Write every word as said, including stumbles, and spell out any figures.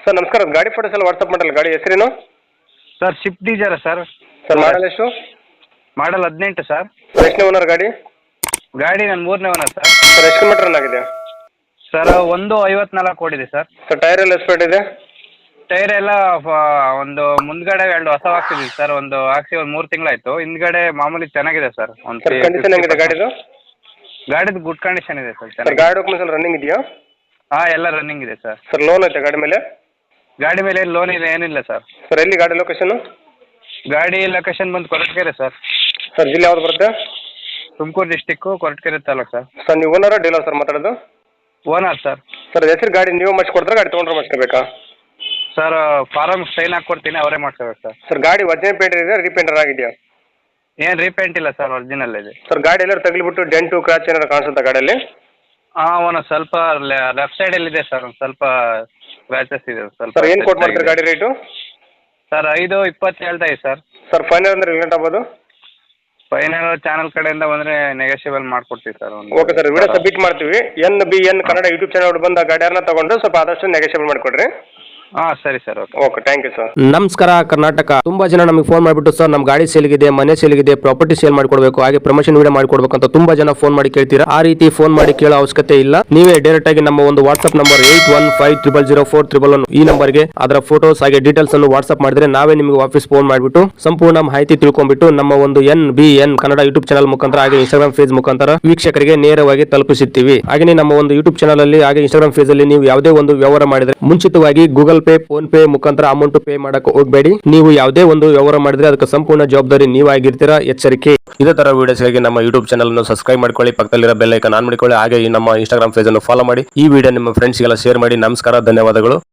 Sir ನಮಸ್ಕಾರ, ಗಾಡಿ photos ಎಲ್ಲ ವಾಟ್ಸಪ್ ಮಾಡಲ್ಲ. ಗಾಡಿ ಹೆಸರೇನು sir Swift Dzire sir. Sir model ಎಷ್ಟು? ಮಾಡಲ್ ಹದಿನೆಂಟು ಸರ್. ಸರ್ ಎಷ್ಟನೇ ಓನರ್ ಗಾಡಿ? ಗಾಡಿ ನನ್ನ ಮೂರನೇ ಓನರ್ ಸರ್. ಸರ್ ಎಷ್ಟು ಕಿಲೋಮೀಟರ್ ರನ್ ಆಗಿದೆ? ಸರ್ ಒಂದು ಐವತ್ನಾಲ್ಕು ಓಡಿದೆ ಸರ್. ಸರ್ ಟೈರ್ ಎಲ್ಲ ಎಸ್ಪೇಟ್ ಇದೆ? ಟೈರ್ ಎಲ್ಲ ಒಂದು ಮುಂದ್ಗಡೆ ಎರಡು ಹೊಸ ಹಾಕ್ಸಿದ್ವಿ ಸರ್. ಒಂದು ಹಾಕ್ಸಿ ಒಂದು ಮೂರು ತಿಂಗಳಾಯ್ತು. ಹಿಂದ್ಗಡೆ ಮಾಮೂಲಿ ಚೆನ್ನಾಗಿದೆ ಸರ್. ಒಂದು ಸರ್ ಕಂಡೀಷನ್ ಹೆಂಗಿದೆ ಗಾಡಿದು? ಗಾಡಿದು ಗುಡ್ ಕಂಡೀಷನ್ ಇದೆ ಸರ್. ಸರ್ ಚೆನ್ನಾಗಿ ಗಾಡಿ ಡಾಕ್ಯುಮೆಂಟ್ಸ್ ಎಲ್ಲ ರನ್ನಿಂಗ್ ಇದೆಯಾ? ಹಾಂ ಎಲ್ಲ ರನ್ನಿಂಗ್ ಇದೆ ಸರ್. ಸರ್ ಲೋನ್ ಐತೆ ಗಾಡಿ ಮೇಲೆ? ಗಾಡಿ ಮೇಲೆ ಲೋನ್ ಇಲ್ಲ, ಏನಿಲ್ಲ ಸರ್. ಸರ್ ಎಲ್ಲಿ ಗಾಡಿ ಲೊಕೇಶನ್? ಗಾಡಿ ಲೊಕೇಶನ್ ಬಂದು ಕೊರಟಗೆರೆ ಸರ್. ಸರ್ ಜಿಲ್ಲೆ ಯಾವ್ದು ಬರುತ್ತೆ? Tumakuru district, Koratagere taluk sir. Sir ನೀವು ಓನರ ಡೀಲರ್ ಸರ್ ಮಾತಾಡೋದು? Owner sir. ಸರ್ ಹೆಸರು ಗಾಡಿ ನೀವು ಮಾಡಿಸ್ಕೊಡ್ತಾರೆ, ಗಾಡಿ ತೊಗೊಂಡ್ರೆ ಮಾಡಿಸ್ಕೋಬೇಕಾ? ಸರ್ ಫಾರಮ್ ಸ್ಟೈನ್ ಹಾಕ್ಕೊಡ್ತೀನಿ, ಅವರೇ ಮಾಡ್ಕೋಬೇಕು ಸರ್. ಸರ್ ಗಾಡಿ ಒರಿಜಿನಲ್ ಪೇಂಟ್ ಇದೆ, ರೀಪೇಂಟರ್ ಆಗಿದೆಯಾ? ಏನು ರೀಪೇಂಟ್ ಇಲ್ಲ ಸರ್, ಒರಿಜಿನಲ್ ಇದೆ. ಸರ್ ಗಾಡಿ ಎಲ್ಲರೂ ತಗಲಿಬಿಟ್ಟು ಡೆಂಟು ಕ್ರಾಚ್ ಏನಾರು ಕಾಣಿಸುತ್ತಾ ಗಾಡಿಯಲ್ಲಿ? ಹಾಂ ಒಂದು ಸ್ವಲ್ಪ ಲೆಫ್ಟ್ ಸೈಡಲ್ಲಿ ಇದೆ ಸರ್, ಒಂದು ಸ್ವಲ್ಪ ಸ್ಕ್ರ್ಯಾಚಸ್ ಇದೆ ಸ್ವಲ್ಪ. ಸರ್ ಏನು ಕೊಟ್ಟು ಮಾಡ್ತೀರಿ ಗಾಡಿ ರೇಟು? ಸರ್ ಐದು ಇಪ್ಪತ್ತು ಹೇಳ್ತಾ ಇದೆ ಸರ್. ಸರ್ ಫೈನಲ್ ಅಂದ್ರೆ ರಿಲೇಟ್ ಆಗ್ಬೋದು? ಫೈನಲ್ ಚಾನಲ್ ಕಡೆಯಿಂದ ಬಂದರೆ ನೆಗೋಷಿಯಬಲ್ ಮಾಡ್ಕೊಡ್ತೀವಿ sir. Okay sir, video submit ಮಾಡ್ತೀವಿ. N B N Kannada YouTube channel ಬಂದು ಆ ಗಾಡಿಯನ್ನ ತಗೊಂಡು ಸ್ವಲ್ಪ ಆದಷ್ಟು ನೆಗೋಷಿಯಬಲ್ ಮಾಡಿಕೊಡ್ರಿ. ಹಾಂ ಸರಿ sir, okay okay thank you sir. ನಮಸ್ಕಾರ ಕರ್ನಾಟಕ. ತುಂಬಾ ಜನ ನಮಗೆ ಫೋನ್ ಮಾಡಿಬಿಟ್ಟು ಸರ್ ನಮ್ಮ ಗಾಡಿ ಸೇಲ್ಗಿದೆ, ಮನೆ ಸೇಲ್ಗಿದೆ, ಪ್ರಾಪರ್ಟಿ ಸೇಲ್ ಮಾಡಿಕೊಡ್ಬೇಕು, ಹಾಗೆ ಪ್ರಮೋಷನ್ ವಿಡಿಯೋ ಮಾಡಿಕೊಡ್ಬೇಕು ಅಂತ ತುಂಬಾ ಜನ ಫೋನ್ ಮಾಡಿ ಕೇಳ್ತೀರಾ. ಆ ರೀತಿ ಫೋನ್ ಮಾಡಿ ಕೇಳೋ ಅವಶ್ಯಕತೆ ಇಲ್ಲ. ನೀವೇ ಡೈರೆಕ್ಟ್ ಆಗಿ ನಮ್ಮ ಒಂದು WhatsApp number eight one five triple zero four triple one ಈ ನಂಬರ್ಗೆ ಅದರ ಫೋಟೋಸ್ ಹಾಗೆ ಡೀಟೇಲ್ಸ್ ಅನ್ನು ವಾಟ್ಸ್ಆಪ್ ಮಾಡಿದ್ರೆ ನಾವೇ ನಿಮಗೆ ವಾಪಸ್ ಫೋನ್ ಮಾಡಿಬಿಟ್ಟು ಸಂಪೂರ್ಣ ಮಾಹಿತಿ ತಿಳ್ಕೊಂಡ್ಬಿಟ್ಟು ನಮ್ಮ ಒಂದು N B N Kannada YouTube channel ಮುಖಾಂತರ ಹಾಗೆ ಇನ್ಸ್ಟಾಗ್ರಾಮ್ ಪೇಜ್ ಮುಖಾಂತರ ವೀಕ್ಷಕರಿಗೆ ನೇರವಾಗಿ ತಲುಪಿಸುತ್ತೀವಿ. ಹಾಗೆ ನಮ್ಮ ಒಂದು ಯೂಟ್ಯೂಬ್ ಚಾನಲ್ ಅಲ್ಲಿ ಹಾಗೆ ಇನ್ಸ್ಟಾಗ್ರಾಮ್ ಪೇಜ್ ಅಲ್ಲಿ ನೀವು ಯಾವುದೇ ಒಂದು ವ್ಯವಹಾರ ಮಾಡಿದ್ರೆ ಮುಂಚಿತವಾಗಿ ಗೂಗಲ್ ಪೇ, ಫೋನ್ ಪೇ ಮುಖಾಂತರ ಅಮೌಂಟ್ ಪೇ ಮಾಡಕ್ಕೆ ಹೋಗಬೇಡಿ. ನೀವು ಯಾವುದೇ ಒಂದು ವ್ಯವಹಾರ ಮಾಡಿದ್ರೆ ಅದಕ್ಕೆ ಸಂಪೂರ್ಣ ಜವಾಬ್ದಾರಿ ನೀವಾಗಿರ್ತೀರಾ, ಎಚ್ಚರಿಕೆ. ಇದೇ ತರ ವಿಡಿಯೋಸ್ಗಾಗಿ ನಮ್ಮ ಯೂಟ್ಯೂಬ್ ಚಾನಲ್ ಅನ್ನು ಸಬ್ಸ್ಕ್ರೈಬ್ ಮಾಡ್ಕೊಳ್ಳಿ, ಪಕ್ಕದಲ್ಲಿರೋ ಬೆಲ್ ಐಕಾನ್ ಆನ್ ಮಾಡಿಕೊಳ್ಳಿ, ಹಾಗೆ ನಮ್ಮ ಇನ್ಸ್ಟಾಗ್ರಾಮ್ ಪೇಜ್ ಅನ್ನು ಫಾಲೋ ಮಾಡಿ. ಈ ವಿಡಿಯೋ ನಿಮ್ಮ ಫ್ರೆಂಡ್ಸ್ಗೆಲ್ಲ ಶೇರ್ ಮಾಡಿ. ನಮಸ್ಕಾರ, ಧನ್ಯವಾದಗಳು.